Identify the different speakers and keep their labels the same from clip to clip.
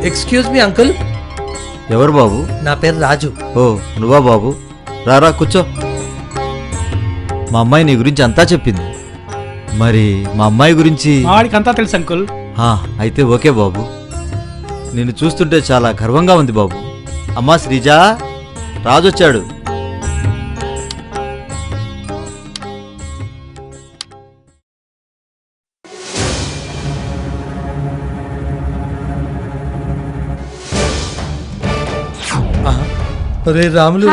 Speaker 1: Excuse me uncle.
Speaker 2: ఎవరు బాబు?
Speaker 1: నా పేరు రాజు.
Speaker 2: ఓ నువ్వా బాబు, రారా కూర్చో. మా అమ్మాయి నీ గురించి అంతా చెప్పింది. మరి మా అమ్మాయి గురించి?
Speaker 3: వాడికి అంతా తెలుసు అంకుల్.
Speaker 2: అయితే ఓకే బాబు. నిన్ను చూస్తుంటే చాలా గర్వంగా ఉంది బాబు. అమ్మా శ్రీజా, రాజు వచ్చాడు.
Speaker 1: రే రాములు.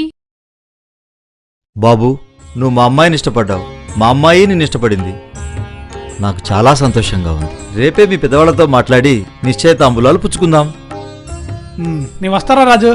Speaker 2: బాబు, నువ్వు మా అమ్మాయిని ఇష్టపడ్డావు, మా అమ్మాయి నిన్ను ఇష్టపడింది. నాకు చాలా సంతోషంగా ఉంది. రేపే మీ పెద్దవాళ్లతో మాట్లాడి నిశ్చయితాంబూలాలు పుచ్చుకుందాం.
Speaker 3: నీ వస్తారా రాజు?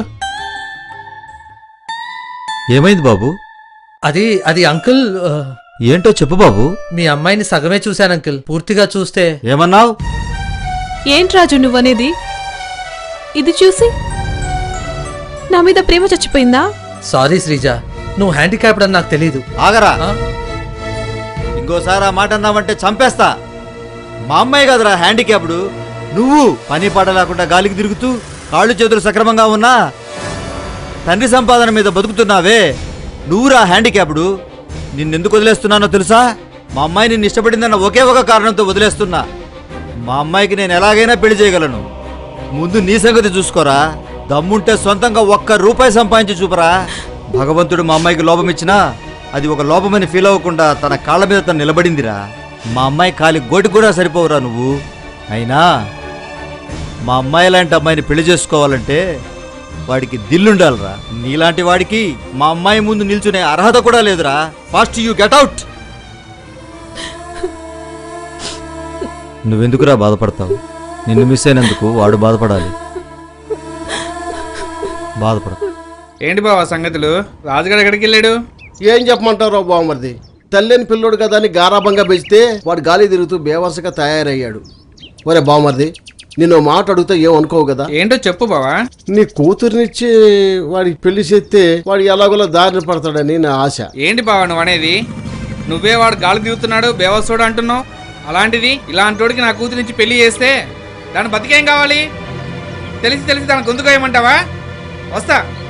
Speaker 2: ఏమైంది బాబు?
Speaker 1: అది అంకుల్.
Speaker 2: ఏంటో చెప్పు బాబు.
Speaker 1: మీ అమ్మాయిని సగమే చూశాను అంకుల్, పూర్తిగా చూస్తే.
Speaker 2: ఏమన్నావు?
Speaker 4: ఏంటి రాజు నువ్వనేది? ఇది చూసి నా మీద ప్రేమ చచ్చిపోయిందా?
Speaker 1: సారీ శ్రీజ, నువ్వు హ్యాండిక్యాప్డ్ అని నాకు తెలీదు.
Speaker 2: ఆగరా, ఇంకోసారి ఆ మాట అన్నావంటే చంపేస్తా. మా అమ్మాయి కదరా హ్యాండిక్యాప్డ్. నువ్వు పని పాట లేకుండా గాలికి తిరుగుతూ కాళ్ళు చేతులు సక్రమంగా ఉన్నా తండ్రి సంపాదన మీద బతుకుతున్నావే, నువ్వురా హ్యాండిక్యాప్డ్. నిన్నెందుకు వదిలేస్తున్నానో తెలుసా? మా అమ్మాయి నిన్ను ఇష్టపడిందన్న ఒకే ఒక కారణంతో వదిలేస్తున్నా. మా అమ్మాయికి నేను ఎలాగైనా పెళ్లి చేయగలను. ముందు నీ సంగతి చూసుకోరా. దమ్ముంటే సొంతంగా ₹1 సంపాదించి చూపరా. భగవంతుడు మా అమ్మాయికి లోపం ఇచ్చినా అది ఒక లోపమని ఫీల్ అవ్వకుండా తన కాళ్ళ మీద తను నిలబడిందిరా. మా అమ్మాయి కాలి గోటి కూడా సరిపోవురా నువ్వు. అయినా మా అమ్మాయి లాంటి అమ్మాయిని పెళ్లి చేసుకోవాలంటే వాడికి దిల్లుండాలిరా. నీలాంటి వాడికి మా అమ్మాయి ముందు నిల్చునే అర్హత కూడా లేదురా. Fast you get out. నువ్వెందుకురా బాధపడతావు? నిన్ను మిస్ అయినందుకు వాడు బాధపడాలి. బాధపడ.
Speaker 5: ఏంటి బావా సంగతులు? రాజుగారు ఎక్కడికి వెళ్ళాడు?
Speaker 6: ఏం చెప్పమంటారో బావమరిది, తల్లిని పిల్లోడు కదా అని గారాబంగా పెంచితే వాడు గాలి తిరుగుతూ బేవసగా తయారయ్యాడు. ఒరే బావమరిది, నిన్ను మాట అడిగితే ఏమనుకోవు కదా?
Speaker 5: ఏంటో చెప్పు బావా.
Speaker 6: నీ కూతురునిచ్చి వాడికి పెళ్లి చేస్తే వాడు ఎలాగోలా దారిని పడతాడని నా ఆశ.
Speaker 5: ఏంటి బావా నువ్వు అనేది? నువ్వే వాడు గాలి దిగుతున్నాడు బేవసోడు అంటున్నావు. అలాంటిది ఇలాంటోడికి నా కూతురినిచ్చి పెళ్లి చేస్తే దాని బతికేం కావాలి? తెలిసి దాని గొంతుకోయమంటావా? వస్తా.